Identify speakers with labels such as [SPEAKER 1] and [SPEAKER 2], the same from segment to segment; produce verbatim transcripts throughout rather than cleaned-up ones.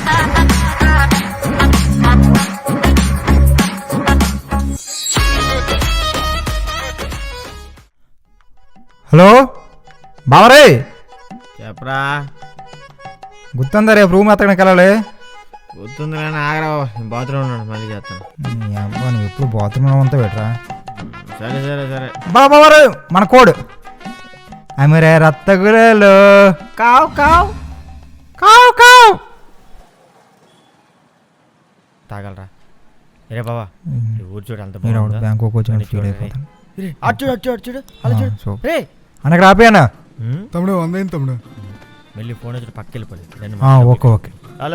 [SPEAKER 1] Hello బావరే
[SPEAKER 2] చెప్పరా.
[SPEAKER 1] గుర్తుందా రేపు రూమ్ ఎత్తడానికి వెళ్ళాలి.
[SPEAKER 2] గుర్తుంది కానీ ఆగరావు, బాత్రూమ్ ఉన్నాడు, మళ్ళీ చేస్తాను.
[SPEAKER 1] అబ్బా నువ్వు ఎప్పుడు బాత్రూమ్ అంతా పెట్టరా.
[SPEAKER 2] సరే సరే సరే
[SPEAKER 1] బా బావరు మన కోడ్ అమిరే రత్తగురేలు కావు కావు కావు కావు
[SPEAKER 2] తాగలరా. రే బాబా ఊరు చూడు అంత
[SPEAKER 1] బ్యాంకు వచ్చిన ఫీల్ అయిపోతాను.
[SPEAKER 2] అచ్చుడు అచ్చుడు అచ్చుడు అలా చూడు. రే
[SPEAKER 1] అనకు రాపోయానా
[SPEAKER 3] తమ్ముడు వందేం తమ్ముడు.
[SPEAKER 2] మళ్ళీ ఫోన్ వచ్చి పక్కకి వెళ్ళిపోయి.
[SPEAKER 1] Okay okay.
[SPEAKER 2] హలో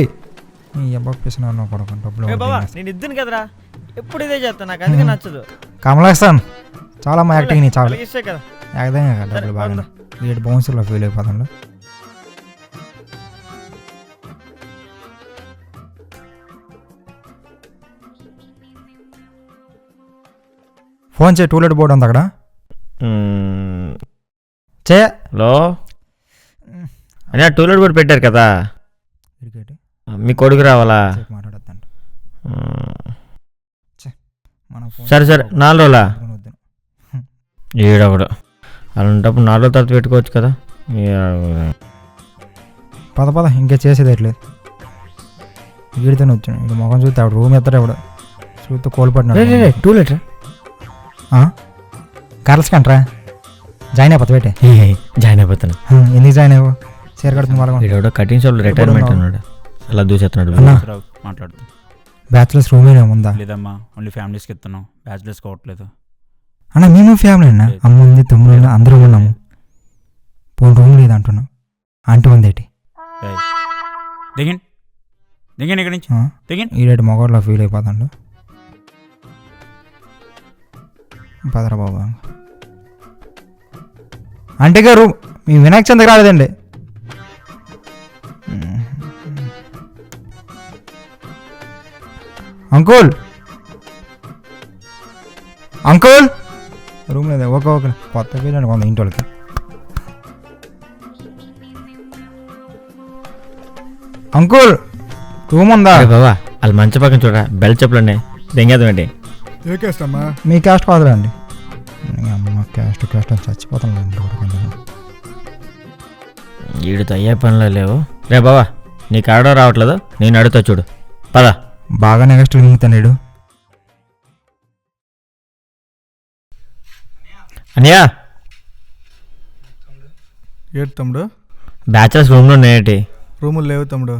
[SPEAKER 1] బాబా
[SPEAKER 2] నేను ఇద్దును కదరా, ఎప్పుడు ఇదే చేస్తాను, నాకు అందుకే నచ్చదు.
[SPEAKER 1] కమలాస్తాన్ చాలా మా యాక్టింగ్ నీ చాలా
[SPEAKER 2] ఇస్తే కదా
[SPEAKER 1] ఏదైనా కదా డబ్బులు బాగా వీటి బౌన్సర్లో ఫీల్ అయిపోతాను. ఫోన్ చేయి, టూలెట్ బోర్డు ఉంది అక్కడ చే.
[SPEAKER 2] హలో అని టూలెట్ బోర్డు పెట్టారు కదా, మీ కొడుకు రావాలా?
[SPEAKER 1] మాట్లాడద్దండి.
[SPEAKER 2] సరే సరే నాలుగు రోజులా ఏడవడు అలాంటప్పుడు నాలుగు రోజుల తర్వాత పెట్టుకోవచ్చు కదా.
[SPEAKER 1] పద పద ఇంకా చేసేది ఎట్లేదు. వీడితోనే వచ్చాను, ఇది మొఖం చూస్తే ఆవిడ రూమ్ ఎత్తాడు, ఆవిడ చూస్తే కోల్పడినాడు.
[SPEAKER 2] టూలెట్
[SPEAKER 1] కర్ల్స్ కంట్రా జాయిన్ అయిపోతా పెట్టే.
[SPEAKER 2] జాయిన్ అయిపోతాను.
[SPEAKER 1] ఎందుకు జాయిన్ అయ్యవు? చీర కడుతుంది
[SPEAKER 2] వాళ్ళ కటింగ్ షాప్ రిటైర్మెంట్ అన్నాడు, అలా దూసేస్తున్నాడు.
[SPEAKER 4] మాట్లాడుతుంది.
[SPEAKER 1] బ్యాచులర్స్ రూమ్ ఏముందా?
[SPEAKER 4] లేదమ్మా, ఓన్లీ ఫ్యామిలీస్కి ఇస్తున్నాం, బ్యాచులర్స్ కావట్లేదు
[SPEAKER 1] అన్న. మేము ఫ్యామిలీ అన్న, అమ్మ ఉంది, తమ్ముడు, అందరూ ఉన్నాము. పోనీ రూమ్ లేదు అంటున్నాం, అంటూ ఉంది ఏంటి?
[SPEAKER 4] దిగండి దిగండి ఇక్కడి నుంచి దిగండి.
[SPEAKER 1] ఈడేటి మొగోడ్లో ఫీల్ అయిపోతాడు. పదరా బాబా. అంటే గారు మీ వినాయక చంద్ర రాలేదండి. అంకుల్ అంకుల్ రూమ్ లేదా? Okay okay. కొత్త పేరు కొంత ఇంటి వాళ్ళకి. అంకుల్ రూమ్ ఉందా?
[SPEAKER 2] బాబా వాళ్ళు మంచి పక్కన చూడరా, బెల్ చెప్పులండి దెంగేద్దామండి.
[SPEAKER 3] ఏ క్యాస్ట్ అమ్మా?
[SPEAKER 1] మీ క్యాస్ట్ కాదులేండి. అమ్మ క్యాస్ట్ క్యాస్ట్ అని చచ్చిపోతాను.
[SPEAKER 2] వీడితో అయ్యే పనులు లేవు. రే బాబా నీకు ఆడో రావట్లేదు, నేను అడుగుతా చూడు, పద.
[SPEAKER 1] బాగా నెక్స్ట్ మింగుతాడు.
[SPEAKER 2] అనియా
[SPEAKER 3] ఏడు తమ్ముడు?
[SPEAKER 2] బ్యాచులర్స్ రూమ్లో ఉన్నాయేటి?
[SPEAKER 3] రూములు లేవు తమ్ముడు.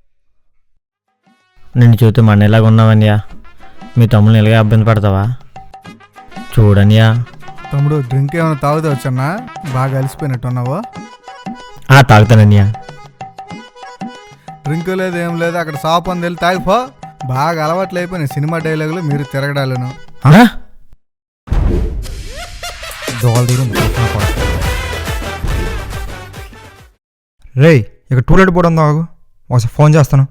[SPEAKER 2] నిన్ను చూస్తే మన ఎలాగ ఉన్నావనియా, మీ తమ్ముని ఎలాగ ఇబ్బంది పడతావా? చూడనియా.
[SPEAKER 3] తమ్ముడు డ్రింక్ ఏమైనా తాగుతా వచ్చన్నా? బాగా అలసిపోయినట్టు ఉన్నావా?
[SPEAKER 2] తాగుతాననియా.
[SPEAKER 3] డ్రింక్ లేదు ఏం లేదు, అక్కడ షాప్ అని వెళ్ళి తాగిపో. బాగా అలవాట్లు అయిపోయినాయి సినిమా డైలాగులు, మీరు తిరగడాలను.
[SPEAKER 1] రే ఇక టూలెట్ బోర్డు ఉందా? ఒకసారి ఫోన్ చేస్తాను.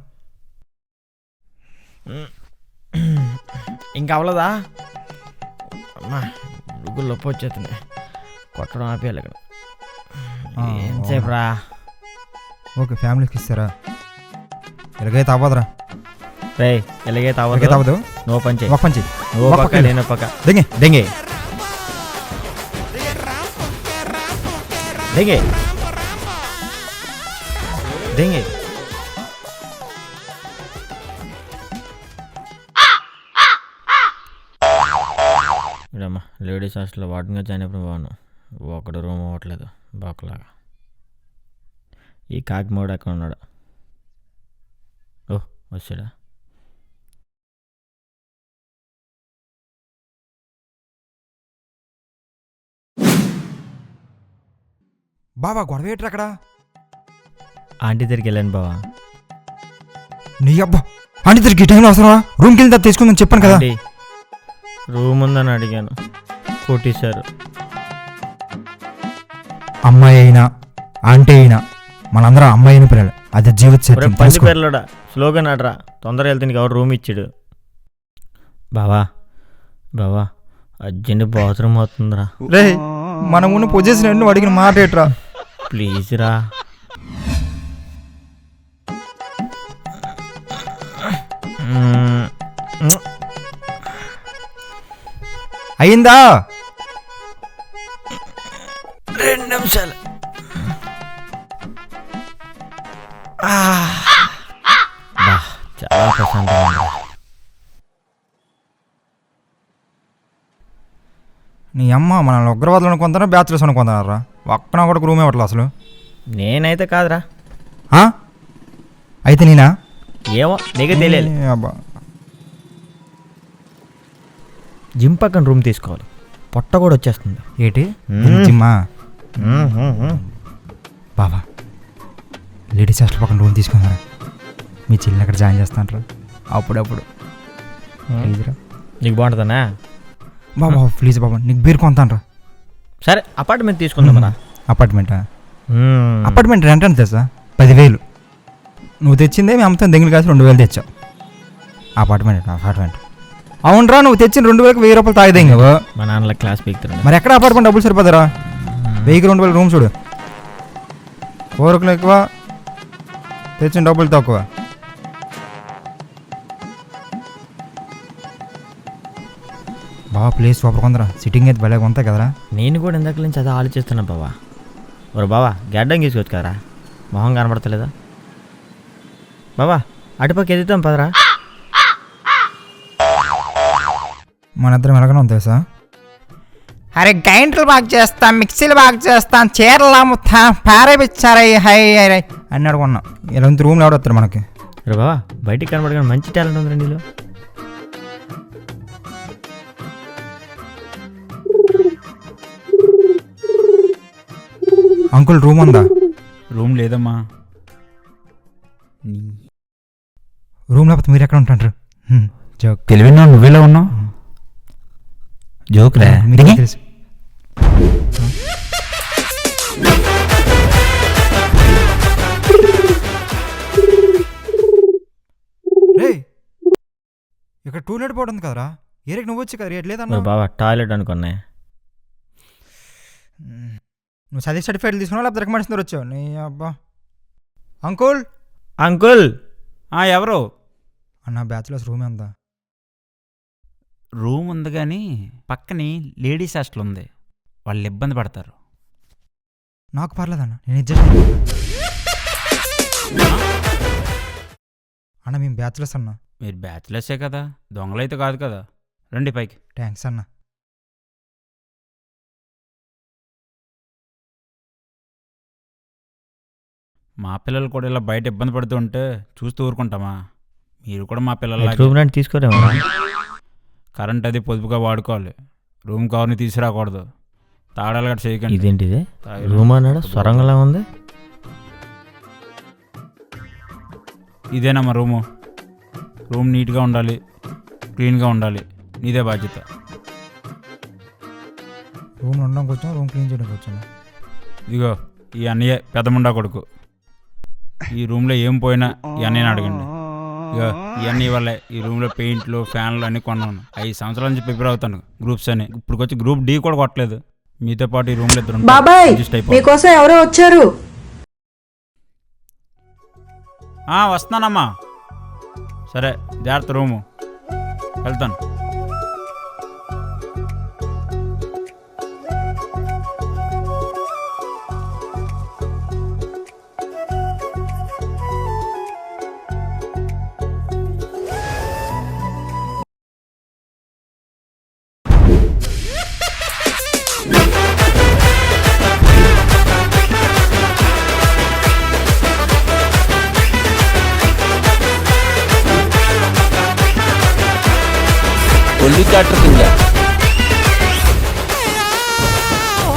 [SPEAKER 2] ఇంకా అవ్వలేదా? అమ్మా గుగ్గులు నొప్పి వచ్చేస్తుంది, కొట్టడం ఆపేయాలి ఇక్కడ. ఎంతసేపు రా?
[SPEAKER 1] ఓకే ఫ్యామిలీకి ఇస్తారా? ఎలాగైతే అవ్వదురా.
[SPEAKER 2] రే ఎలాగైతే
[SPEAKER 1] అవ్వదు అవ్వదు.
[SPEAKER 2] నువ్వు పంచి
[SPEAKER 1] ఒక పంచి
[SPEAKER 2] నువ్వు పక్క నేను పక్క.
[SPEAKER 1] దెంగే
[SPEAKER 2] దెంగే దెంగే దెంగే ఇడమ్మా లేడీస్ హాస్టల్లో వాటిగా జాయిన్ అయిపోయిన బాగున్నాను. ఒకడు రూమ్ అవ్వట్లేదు బాకులాగా. ఈ కాకి మోడు ఎక్కడ ఉన్నాడు? ఓ వచ్చాడా?
[SPEAKER 1] బాబా గొడవ ఏంటి అక్కడ?
[SPEAKER 2] ఆంటీ దగ్గరికి వెళ్ళాను బావా.
[SPEAKER 1] నీ అబ్బా ఆంటీ దగ్గరికి టైంలో అవసరమా? రూమ్కి వెళ్ళి తీసుకుందని చెప్పాను కదా.
[SPEAKER 2] రూమ్ ఉందని అడిగాను, కొట్టేశారు.
[SPEAKER 1] అమ్మాయి అయినా ఆంటీ అయినా మనందరం అమ్మాయి అయిన పిల్లలు, అది జీవిత సత్యం.
[SPEAKER 2] పది పేర్లోడా స్లోగా నాడరా, తొందరగా వెళ్తే నీకు ఎవరు రూమ్ ఇచ్చాడు? బావా బావా అర్జెంట్ బాత్రూమ్ అవుతుందిరా.
[SPEAKER 1] రే మనం ఉన్న పొజిషన్ నువ్వు అడిగిన మాట ఏంట్రా?
[SPEAKER 2] ప్లీజ్ రా.
[SPEAKER 1] అయిందా?
[SPEAKER 2] రెండు నిమిషాలు. ఆ, బా, చాలా ప్రశాంతంగా ఉంది.
[SPEAKER 1] నీ అమ్మ మనల్ని ఉగ్రవాదులు అనుకుంటారా బ్యాచులర్స్ అనుకుంటున్నారా? ఒక్కన ఒకటి రూమ్ ఇవ్వట్లేదు అసలు.
[SPEAKER 2] నేనైతే కాదురా.
[SPEAKER 1] ఆ? అయితే నేనా?
[SPEAKER 2] ఏమో నీకే తెలియాలి.
[SPEAKER 1] ఏ అబ్బా.
[SPEAKER 2] జిమ్ పక్కన రూమ్ తీసుకోవాలి, పొట్ట కూడా వచ్చేస్తుంది.
[SPEAKER 1] ఏంటి
[SPEAKER 2] మ్మ్.
[SPEAKER 1] జిమ్మా? బాబా లేడీస్ హాస్టల్ పక్కన రూమ్ తీసుకున్నారా? మీ చెల్లిని అక్కడ జాయిన్ చేస్తాంటారా అప్పుడప్పుడు? ప్లీజ్ రా
[SPEAKER 2] నీకు బాగుంటుందనా?
[SPEAKER 1] బాబా ప్లీజ్ బాబా, నీకు బీర్ కొంతానరా.
[SPEAKER 2] సరే అపార్ట్మెంట్ తీసుకుందామరా.
[SPEAKER 1] అపార్ట్మెంటా? అపార్ట్మెంట్ రెంట్ ఎంత తెలుసా? పదివేలు. నువ్వు తెచ్చిందే మీ అమ్మతో దెంగిలి కాసి రెండు వేలు తెచ్చావు. అపార్ట్మెంట్ అపార్ట్మెంట్ అవునరా, నువ్వు తెచ్చిన రెండు వేలకు వెయ్యి రూపాయలు తాగిదే నువ్వు.
[SPEAKER 2] మా నాన్నల క్లాస్ పీకుతారు.
[SPEAKER 1] మరి ఎక్కడ అపార్ట్మెంట్ డబ్బులు సరిపోతారా? వెయ్యికి రెండు వేలు రూమ్ చూడు. ఓరకులు ఎక్కువ, తెచ్చిన డబ్బులు తక్కువ. బాబా ప్లేస్ సూపర్ కొందరా, సిట్టింగ్ అయితే భలేగా ఉంటాయి కదరా.
[SPEAKER 2] నేను కూడా ఇందాక నుంచి అదే ఆలోచిస్తున్నా బావా. ఒరే బావా గడ్డం గీసుకోవచ్చు కదరా, మొహం కనబడతలేదా? బావా అటుపక్క ఎదుగుతాం పదరా.
[SPEAKER 1] మన ఇద్దరం ఎలాగనే ఉంది తెలుసా? అరే గ్రైండర్లు బాగా చేస్తాం, మిక్సీలు బాగా చేస్తాం, చీరలు అమ్ముతా, పారేపిచ్చారై హై హై అని అడుగున్నాం. ఇలా ఉంది రూమ్లో ఎవడు వస్తారు మనకి?
[SPEAKER 2] రే బావా బయటికి కనబడగానే మంచి టాలెంట్ ఉందిరా నీలో.
[SPEAKER 1] అంకుల్ రూమ్ ఉందా?
[SPEAKER 4] రూమ్ లేదమ్మా.
[SPEAKER 1] రూమ్ లేకపోతే మీరు ఎక్కడ ఉంటారు? జోక్.
[SPEAKER 4] తెలివినా నువ్వేలా ఉన్నావు? జోక్ రా.
[SPEAKER 1] మీకు తెలుసు. రేయ్ ఇక్కడ టూలెట్ బోర్డు ఉంది కదరా, ఏరికి నువ్వు వచ్చి కదా రేట్ లేదన్నా.
[SPEAKER 2] బావా టాయిలెట్ అనుకున్నా.
[SPEAKER 1] నువ్వు చదివి సర్టిఫికేట్ తీసుకున్నావు లేకపోతే రికమెండేషన్ వచ్చావు నీ అబ్బా. Uncle
[SPEAKER 2] uncle.
[SPEAKER 4] ఎవరు?
[SPEAKER 1] అన్న బ్యాచులర్స్ రూమ్ ఎంత?
[SPEAKER 4] రూమ్ ఉంది కానీ పక్కనే లేడీస్ హాస్టల్ ఉంది, వాళ్ళు ఇబ్బంది పడతారు.
[SPEAKER 1] నాకు పర్లేదన్న, నేను అడ్జస్ట్ అయిపోతా. అన్న మేము బ్యాచులర్స్ అన్న.
[SPEAKER 4] మీరు బ్యాచులర్సే కదా, దొంగలైతే కాదు కదా. రండి పైకి.
[SPEAKER 1] థ్యాంక్స్ అన్న.
[SPEAKER 4] మా పిల్లలు కూడా ఇలా బయట ఇబ్బంది పడుతూ ఉంటే చూస్తూ ఊరుకుంటామా? మీరు కూడా మా పిల్లల
[SPEAKER 2] రూమ్ రెంట్ తీసుకోరేమో.
[SPEAKER 4] కరెంట్ అది పొదుపుగా వాడుకోవాలి. రూమ్ కవర్ని తీసుకురాకూడదు. తాడాలు గట్ట చేయకండి.
[SPEAKER 2] ఇదేంటిది రూమ్ అన్నాడు స్వరంగంలా ఉంది.
[SPEAKER 4] ఇదేనమ్మా రూము. రూమ్ నీట్గా ఉండాలి, క్లీన్గా ఉండాలి, నీదే బాధ్యత.
[SPEAKER 1] రూమ్ ఉండడానికి వచ్చాము, రూమ్ క్లీన్ చేయడానికి వచ్చాము.
[SPEAKER 4] ఇదిగో ఈ అన్నయ్య పెద్దముండా కొడుకు. ఈ రూమ్లో ఏం పోయినా ఈ అన్నయ్యని అడగండి. ఇక ఇవన్నీ వల్లే ఈ రూమ్లో పెయింట్లు ఫ్యాన్లు అన్నీ కొన్నాను. ఐదు సంవత్సరాల నుంచి ప్రిపేర్ అవుతాను గ్రూప్స్ అని. ఇప్పుడు వచ్చి గ్రూప్ డి కూడా కొట్టలేదు. మీతో పాటు ఈ రూమ్లో ఇద్దరు
[SPEAKER 5] బాబాయ్ మీకోసం ఎవరో వచ్చారు.
[SPEAKER 4] వస్తున్నానమ్మా. సరే జాగ్రత్త, రూము వెళ్తాను.
[SPEAKER 6] ఒల్లి క్యాటర్ కింద